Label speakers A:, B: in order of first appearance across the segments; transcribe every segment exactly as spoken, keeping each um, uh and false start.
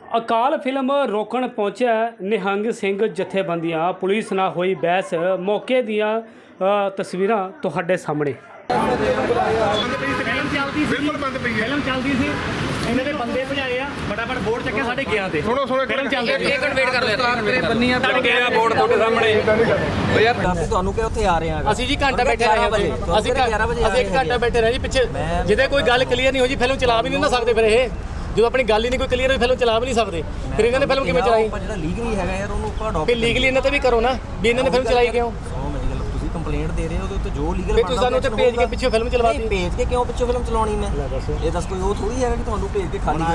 A: ਅਕਾਲ film ਰੋਕਣ ਪਹੁੰਚਿਆ ਨਿਹੰਗ ਸਿੰਘ ਜਥੇਬੰਦੀਆਂ ਪੁਲਿਸ ਨਾਲ ਹੋਈ ਬਹਿਸ। ਮੌਕੇ ਦੀਆਂ ਅ, ਤਸਵੀਰਾਂ ਤੁਹਾਡੇ ਸਾਹਮਣੇ।
B: ਬਿਲਕੁਲ ਬੰਦ ਪਈ ਹੈ।
A: ਫਿਲਮ ਚੱਲਦੀ ਸੀ, ਇਹਨਾਂ ਦੇ ਬੰਦੇ ਭਜਾਏ ਆ, ਫਟਾਫਟ ਬੋਰਡ ਚੱਕਿਆ ਸਾਡੇ ਗਿਆ ਤੇ
B: ਸੁਣੋ ਸੁਣੋ
A: ਫਿਲਮ ਚੱਲਦੀ ਸੀ।
C: ਇੱਕ ਮਿੰਟ ਵੇਟ ਕਰ ਲਿਆ ਬੰਨੀਆਂ ਤੁਹਾਡੇ ਗਿਆ ਬੋਰਡ ਤੁਹਾਡੇ ਸਾਹਮਣੇ। ਓ ਯਾਰ ਤੁਹਾਨੂੰ ਕਿ ਉੱਥੇ ਆ ਰਹੇ ਆ
A: ਅਸੀਂ ਜੀ ਘੰਟਾ ਬੈਠੇ ਰਹੇ ਅਸੀਂ ਅਸੀਂ ਇੱਕ ਘੰਟਾ ਬੈਠੇ ਰਹੇ ਜੀ ਪਿੱਛੇ। ਜਿਹਦੇ ਕੋਈ ਗੱਲ ਕਲੀਅਰ ਨਹੀਂ ਹੋ ਜੀ ਫਿਲਮ ਚਲਾ ਵੀ ਨਹੀਂ ਨਾ ਸਕਦੇ। ਫਿਰ ਇਹ ਜਦੋਂ ਆਪਣੀ ਗੱਲ ਹੀ ਨਹੀਂ ਕੋਈ ਕਲੀਅਰ ਹੋਈ ਫਿਲਮ ਚਲਾ ਵੀ ਨਹੀਂ ਸਕਦੇ। ਫਿਰ ਇਹਨਾਂ ਨੇ ਫਿਲਮ ਕਿਵੇਂ ਚਲਾਈ?
C: ਜਿਹੜਾ ਲੀਗਲੀ ਹੈਗਾ ਯਾਰ ਉਹਨੂੰ ਆਪਾਂ
A: ਫਿਰ ਲੀਗਲੀ ਇਹਨਾਂ ਤੇ ਵੀ ਕਰੋ ਨਾ ਵੀ ਇਹਨਾਂ ਨੇ ਫਿਲਮ ਚਲਾਈ ਕਿਉਂ।
C: ਤੁਸੀਂ ਕੰਪਲੇਂਟ ਦੇ ਰਹੇ ਹੋ ਉਹਦੇ ਉੱਤੇ ਜੋ ਲੀਗਲ
A: ਫਿਰ ਤੁਸੀਂ ਸਾਨੂੰ ਉੱਥੇ ਭੇਜ ਕੇ ਪਿੱਛੇ ਫਿਲਮ ਚਲਵਾਤੀ।
C: ਭੇਜ ਕੇ ਕਿਉਂ ਪਿੱਛੇ ਫਿਲਮ ਚਲਾਉਣੀ ਮੈਂ? ਇਹ ਦੱਸ ਕੋਈ ਉਹ ਥੋੜੀ ਹੈਗਾ ਕਿ ਤੁਹਾਨੂੰ ਭੇਜ ਕੇ ਖਾਲੀ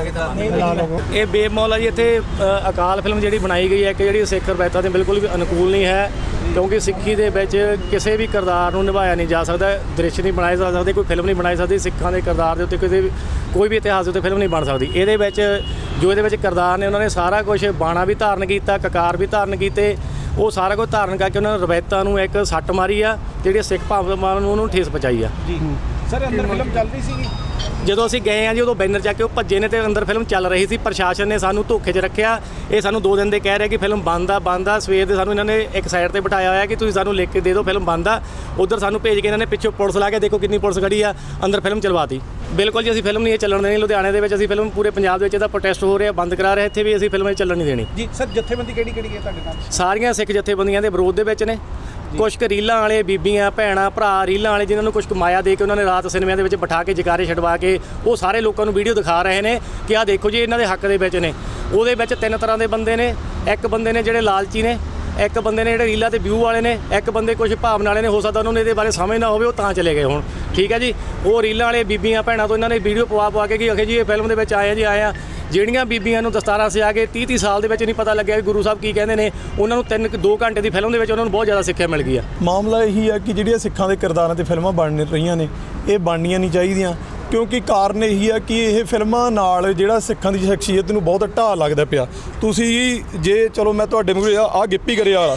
C: ਕਰਕੇ
A: ਇਹ ਬੇਮੌਲ ਆ ਜੀ। ਇੱਥੇ ਅ, ਅਕਾਲ ਫਿਲਮ ਜਿਹੜੀ ਬਣਾਈ ਗਈ ਹੈ ਕਿ ਜਿਹੜੀ ਸਿੱਖ ਰਵਾਇਤਾਂ ਦੇ ਬਿਲਕੁਲ ਵੀ ਅਨੁਕੂਲ ਨਹੀਂ ਹੈ, ਕਿਉਂਕਿ ਸਿੱਖੀ ਦੇ ਵਿੱਚ ਕਿਸੇ ਵੀ ਕਿਰਦਾਰ ਨੂੰ ਨਿਭਾਇਆ ਨਹੀਂ ਜਾ ਸਕਦਾ। ਦ੍ਰਿਸ਼ ਨਹੀਂ ਬਣਾਏ ਜਾ ਸਕਦੇ, ਕੋਈ ਫਿਲਮ ਨਹੀਂ ਬਣਾਈ ਸਕਦੀ ਸਿੱਖਾਂ ਦੇ ਕਿਰਦਾਰ ਦੇ ਉੱਤੇ। ਕਿਸੇ ਵੀ ਕੋਈ ਵੀ ਇਤਿਹਾਸ ਦੇ ਉੱਤੇ ਫਿਲਮ ਨਹੀਂ ਬਣ ਸਕਦੀ। ਇਹਦੇ ਵਿੱਚ ਜੋ ਇਹਦੇ ਵਿੱਚ ਕਿਰਦਾਰ ਨੇ ਉਹਨਾਂ ਨੇ ਸਾਰਾ ਕੁਝ ਬਾਣਾ ਵੀ ਧਾਰਨ ਕੀਤਾ, ਕਕਾਰ ਵੀ ਧਾਰਨ ਕੀਤੇ। ਉਹ ਸਾਰਾ ਕੁਝ ਧਾਰਨ ਕਰਕੇ ਉਹਨਾਂ ਨੇ ਰਵਾਇਤਾਂ ਨੂੰ ਇੱਕ ਸੱਟ ਮਾਰੀ ਆ, ਜਿਹੜੀ ਸਿੱਖ ਭਾਵਨਾਵਾਂ ਨੂੰ ਉਹਨੂੰ ਠੇਸ ਪਹੁੰਚਾਈ ਆ ਜੀ।
B: ਸਰ ਅੰਦਰ ਫਿਲਮ ਚੱਲਦੀ ਸੀਗੀ
A: ਜਦੋਂ ਅਸੀਂ ਗਏ ਆ ਜੀ ਉਦੋਂ ਬੈਨਰ ਚੱਕ ਕੇ ਉਹ ਭੱਜੇ ਨੇ ਤੇ ਅੰਦਰ ਫਿਲਮ ਚੱਲ ਰਹੀ ਸੀ। ਪ੍ਰਸ਼ਾਸਨ ਨੇ ਸਾਨੂੰ ਧੋਖੇ 'ਚ ਰੱਖਿਆ। ਇਹ ਸਾਨੂੰ ਦੋ ਦਿਨ ਦੇ ਕਹਿ ਰਿਹਾ ਕਿ ਫਿਲਮ ਬੰਦ ਆ ਬੰਦ ਆ। ਸਵੇਰ ਦੇ ਸਾਨੂੰ ਇਹਨਾਂ ਨੇ ਇੱਕ ਸਾਈਡ ਤੇ ਬਿਠਾਇਆ ਹੋਇਆ ਕਿ ਤੁਸੀਂ ਸਾਨੂੰ ਲਿਖ ਕੇ ਦੇ ਦਿਓ ਫਿਲਮ ਬੰਦ ਆ। ਉਧਰ ਸਾਨੂੰ ਭੇਜ ਕੇ ਇਹਨਾਂ ਨੇ ਪਿੱਛੋਂ ਪੁਲਿਸ ਲਾ ਕੇ ਦੇਖੋ ਕਿੰਨੀ ਪੁਲਿਸ ਖੜੀ ਆ, ਅੰਦਰ ਫਿਲਮ ਚਲਵਾਤੀ। ਬਿਲਕੁਲ ਜੀ ਅਸੀਂ ਫਿਲਮ ਨਹੀਂ ਇਹ ਚੱਲਣ ਦੇਣੀ। ਲੁਧਿਆਣੇ ਦੇ ਵਿੱਚ ਅਸੀਂ ਫਿਲਮ ਪੂਰੇ ਪੰਜਾਬ ਦੇ ਵਿੱਚ ਇਹਦਾ ਪ੍ਰੋਟੈਸਟ ਹੋ ਰਿਹਾ, ਬੰਦ ਕਰਾ ਰਹੇ। ਇੱਥੇ ਵੀ ਅਸੀਂ ਫਿਲਮ ਇਹ ਚੱਲਣ ਨਹੀਂ ਦੇਣੀ
B: ਜੀ। ਸਰ ਜਥੇਬੰਦੀ ਕਿਹੜੀ ਕਿਹੜੀ ਹੈ ਤੁਹਾਡੇ ਨਾਲ?
A: ਸਾਰੀਆਂ ਸਿੱਖ ਜਥੇਬੰਦੀਆਂ ਦੇ ਵਿਰੋਧ ਦੇ ਵਿੱਚ ਨੇ। ਕੁਛ ਕੁ ਰੀਲਾਂ ਵਾਲੇ ਬੀਬੀਆਂ ਭੈਣਾਂ ਭਰਾ ਰੀਲਾਂ ਵਾਲੇ ਜਿਨ੍ਹਾਂ ਨੂੰ ਕੁਛ ਮਾਇਆ ਦੇ ਕੇ ਉਹਨਾਂ ਨੇ ਰਾਤ ਸਿਨੇਮਿਆਂ ਦੇ ਵਿੱਚ ਬਿਠਾ ਕੇ ਜਕਾਰੇ ਛਡਵਾ ਕੇ ਉਹ ਸਾਰੇ ਲੋਕਾਂ ਨੂੰ ਵੀਡੀਓ ਦਿਖਾ ਰਹੇ ਨੇ ਕਿ ਆਹ ਦੇਖੋ ਜੀ ਇਹਨਾਂ ਦੇ ਹੱਕ ਦੇ ਵਿੱਚ ਨੇ। ਉਹਦੇ ਵਿੱਚ ਤਿੰਨ ਤਰ੍ਹਾਂ ਦੇ ਬੰਦੇ ਨੇ। ਇੱਕ ਬੰਦੇ ਨੇ ਜਿਹੜੇ ਲਾਲਚੀ ਨੇ, ਇੱਕ ਬੰਦੇ ਨੇ ਜਿਹੜੇ ਰੀਲਾਂ ਤੇ ਵਿਊ ਵਾਲੇ ਨੇ, ਇੱਕ ਬੰਦੇ ਕੁਝ ਭਾਵਨਾ ਵਾਲੇ ਨੇ। ਹੋ ਸਕਦਾ ਉਹਨਾਂ ਨੂੰ ਇਹਦੇ ਬਾਰੇ ਸਮਝ ਨਾ ਹੋਵੇ, ਉਹ ਤਾਂ ਚਲੇ ਗਏ ਹੁਣ। ਠੀਕ ਹੈ ਜੀ। ਉਹ ਰੀਲਾਂ ਵਾਲੇ ਬੀਬੀਆਂ ਭੈਣਾਂ ਤੋਂ ਇਹਨਾਂ ਨੇ ਵੀਡੀਓ ਪਵਾ ਪਵਾ ਕੇ ਕਿ ਅਖੇ ਜੀ ਇਹ ਫਿਲਮ ਦੇ ਵਿੱਚ ਆਏ ਆ ਜੀ ਆਏ ਆ। ਜਿਹੜੀਆਂ ਬੀਬੀਆਂ ਨੂੰ ਦਸਤਾਰਾਂ ਸਿਆ ਕੇ ਤੀਹ ਤੀਹ ਸਾਲ ਦੇ ਵਿੱਚ ਨਹੀਂ ਪਤਾ ਲੱਗਿਆ ਕਿ ਗੁਰੂ ਸਾਹਿਬ ਕੀ ਕਹਿੰਦੇ ਨੇ, ਉਹਨਾਂ ਨੂੰ ਤਿੰਨ ਦੋ ਘੰਟੇ ਦੀ ਫਿਲਮ ਦੇ ਵਿੱਚ ਉਹਨਾਂ ਨੂੰ ਬਹੁਤ ਜ਼ਿਆਦਾ ਸਿੱਖਿਆ ਮਿਲ ਗਈ ਆ।
D: ਮਾਮਲਾ ਇਹੀ ਆ ਕਿ ਜਿਹੜੀਆਂ ਸਿੱਖਾਂ ਦੇ ਕਿਰਦਾਰਾਂ ਤੇ ਫਿਲਮਾਂ ਬਣ ਰਹੀਆਂ ਨੇ ਇਹ ਬਣਨੀਆਂ ਨਹੀਂ ਚਾਹੀਦੀਆਂ, ਕਿਉਂਕਿ ਕਾਰਨ ਇਹੀ ਆ ਕਿ ਇਹ ਫਿਲਮਾਂ ਨਾਲ ਜਿਹੜਾ ਸਿੱਖਾਂ ਦੀ ਸ਼ਖਸੀਅਤ ਨੂੰ ਬਹੁਤ ਢਾਹ ਲੱਗਦਾ ਪਿਆ। ਤੁਸੀਂ ਜੇ ਚਲੋ ਮੈਂ ਤੁਹਾਡੇ ਮੂਹਰੇ ਆ ਆਹ ਗਿੱਪੀ ਗਰੇਵਾਲ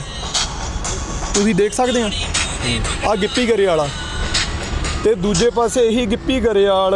D: ਤੁਸੀਂ ਦੇਖ ਸਕਦੇ ਆ, ਆਹ ਗਿੱਪੀ ਗਰੇਵਾਲ ਤੇ ਦੂਜੇ ਪਾਸੇ ਇਹੀ ਗਿੱਪੀ ਗਰੇਵਾਲ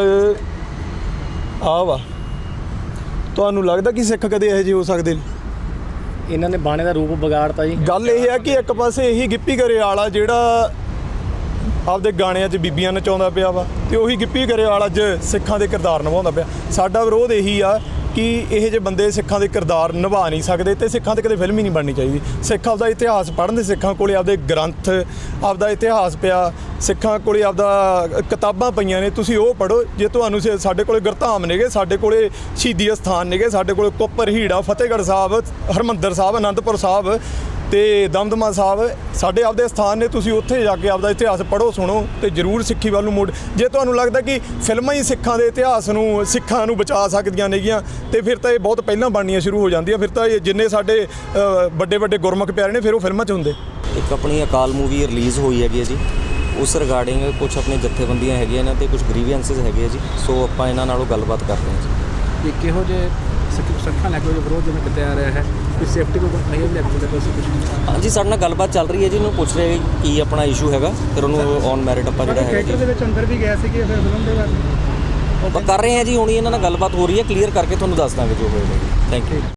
D: ਆ ਵਾ। ਤੁਹਾਨੂੰ ਲੱਗਦਾ ਕਿ ਸਿੱਖ ਕਦੇ ਇਹੋ ਜਿਹੇ ਹੋ ਸਕਦੇ ਨੇ?
A: ਇਹਨਾਂ ਨੇ ਬਾਣੇ ਦਾ ਰੂਪ ਵਿਗਾੜਤਾ ਜੀ।
D: ਗੱਲ ਇਹ ਹੈ ਕਿ ਇੱਕ ਪਾਸੇ ਇਹੀ ਗਿੱਪੀ ਗਰੇਵਾਲ ਆ ਜਿਹੜਾ ਆਪਦੇ ਗਾਣਿਆਂ 'ਚ ਬੀਬੀਆਂ ਨਚਾਉਂਦਾ ਪਿਆ ਵਾ, ਤੇ ਉਹੀ ਗਿੱਪੀ ਗਰੇਵਾਲ ਅੱਜ ਸਿੱਖਾਂ ਦੇ ਕਿਰਦਾਰ ਨਿਭਾਉਂਦਾ ਪਿਆ। ਸਾਡਾ ਵਿਰੋਧ ਇਹੀ ਆ ਕਿ ਇਹੋ ਜਿਹੇ ਬੰਦੇ ਸਿੱਖਾਂ ਦੇ ਕਿਰਦਾਰ ਨਿਭਾ ਨਹੀਂ ਸਕਦੇ ਤੇ ਸਿੱਖਾਂ 'ਤੇ ਕਦੇ ਫਿਲਮ ਹੀ ਨਹੀਂ ਬਣਨੀ ਚਾਹੀਦੀ। ਸਿੱਖ ਆਪਦਾ ਇਤਿਹਾਸ ਪੜ੍ਹਨ ਦੇ, ਸਿੱਖਾਂ ਕੋਲੇ ਆਪਦੇ ਗ੍ਰੰਥ ਆਪਦਾ ਇਤਿਹਾਸ ਪਿਆ, ਸਿੱਖਾਂ ਕੋਲੇ ਆਪਦਾ ਕਿਤਾਬਾਂ ਪਈਆਂ ਨੇ, ਤੁਸੀਂ ਉਹ ਪੜ੍ਹੋ। ਜੇ ਤੁਹਾਨੂੰ ਸਾਡੇ ਕੋਲੇ ਗੁਰਧਾਮ ਨੇਗੇ, ਸਾਡੇ ਕੋਲੇ ਸ਼ਹੀਦੀ ਅਸਥਾਨ ਨੇਗੇ, ਸਾਡੇ ਕੋਲੇ ਕੁੱਪਰ ਹੀੜਾ, ਫਤਿਹਗੜ੍ਹ ਸਾਹਿਬ, ਹਰਿਮੰਦਰ ਸਾਹਿਬ, ਅਨੰਦਪੁਰ ਸਾਹਿਬ ਤੇ ਦਮਦਮਾ ਸਾਹਿਬ ਸਾਡੇ ਆਪਦੇ ਸਥਾਨ ਨੇ। ਤੁਸੀਂ ਉੱਥੇ ਜਾ ਕੇ ਆਪਦਾ ਇਤਿਹਾਸ ਪੜ੍ਹੋ, ਸੁਣੋ ਤੇ ਜ਼ਰੂਰ ਸਿੱਖੀ ਵੱਲ ਨੂੰ ਮੋੜ। ਜੇ ਤੁਹਾਨੂੰ ਲੱਗਦਾ ਕਿ ਫਿਲਮਾਂ ਹੀ ਸਿੱਖਾਂ ਦੇ ਇਤਿਹਾਸ ਨੂੰ ਸਿੱਖਾਂ ਨੂੰ ਬਚਾ ਸਕਦੀਆਂ ਨੇਗੀਆਂ ਤੇ ਫਿਰ ਤਾਂ ਇਹ ਬਹੁਤ ਪਹਿਲਾਂ ਬਣਨੀਆਂ ਸ਼ੁਰੂ ਹੋ ਜਾਂਦੀਆਂ। ਫਿਰ ਤਾਂ ਇਹ ਜਿੰਨੇ ਸਾਡੇ ਵੱਡੇ ਵੱਡੇ ਗੁਰਮੁਖ ਪਿਆਰੇ ਨੇ ਫਿਰ ਉਹ ਫਿਲਮਾਂ 'ਚ ਹੁੰਦੇ।
C: ਇੱਕ ਆਪਣੀ ਅਕਾਲ ਮੂਵੀ ਰਿਲੀਜ਼ ਹੋਈ ਹੈਗੀ ਹੈ ਜੀ, ਉਸ ਰਿਗਾਰਡਿੰਗ ਕੁਝ ਆਪਣੇ ਜਥੇਬੰਦੀਆਂ ਹੈਗੀਆਂ ਨੇ ਤੇ ਕੁਝ ਗ੍ਰੀਵੈਂਸਿਸ ਹੈਗੇ ਆ ਜੀ। ਸੋ ਆਪਾਂ ਇਹਨਾਂ ਨਾਲੋਂ ਗੱਲਬਾਤ ਕਰਦੇ ਹਾਂ ਜੀ।
B: ਇਹ ਕਿਹੋ ਜਿਹੇ ਸਿੱਖਾਂ ਲੈ ਕੇ ਵਿਰੋਧ ਜਿਵੇਂ ਕਿਤੇ ਆ ਰਿਹਾ ਹੈ, ਕੋਈ ਸੇਫਟੀ ਕੋਈ ਨਹੀਂ ਲੈ ਕੇ ਕੁਝ?
C: ਹਾਂਜੀ ਸਾਡੇ ਨਾਲ ਗੱਲਬਾਤ ਚੱਲ ਰਹੀ ਹੈ ਜੀ। ਉਹਨੂੰ ਪੁੱਛ ਰਹੇ ਕੀ ਆਪਣਾ ਇਸ਼ੂ ਹੈਗਾ, ਫਿਰ ਉਹਨੂੰ ਔਨ ਮੈਰਿਟ ਆਪਾਂ ਜਿਹੜਾ ਹੈਗਾ ਜੀ
B: ਦੇ ਵਿੱਚ ਅੰਦਰ ਵੀ ਗਏ ਸੀਗੇ ਫਿਰ ਫਿਲਮ ਦੇ ਬਾਰੇ
C: ਆਪਾਂ ਕਰ ਰਹੇ ਹਾਂ ਜੀ। ਹੁਣ ਇਹਨਾਂ ਨਾਲ ਗੱਲਬਾਤ ਹੋ ਰਹੀ ਹੈ, ਕਲੀਅਰ ਕਰਕੇ ਤੁਹਾਨੂੰ ਦੱਸ ਦਾਂਗੇ ਜੋ ਹੋਏਗਾ ਜੀ। Thank you.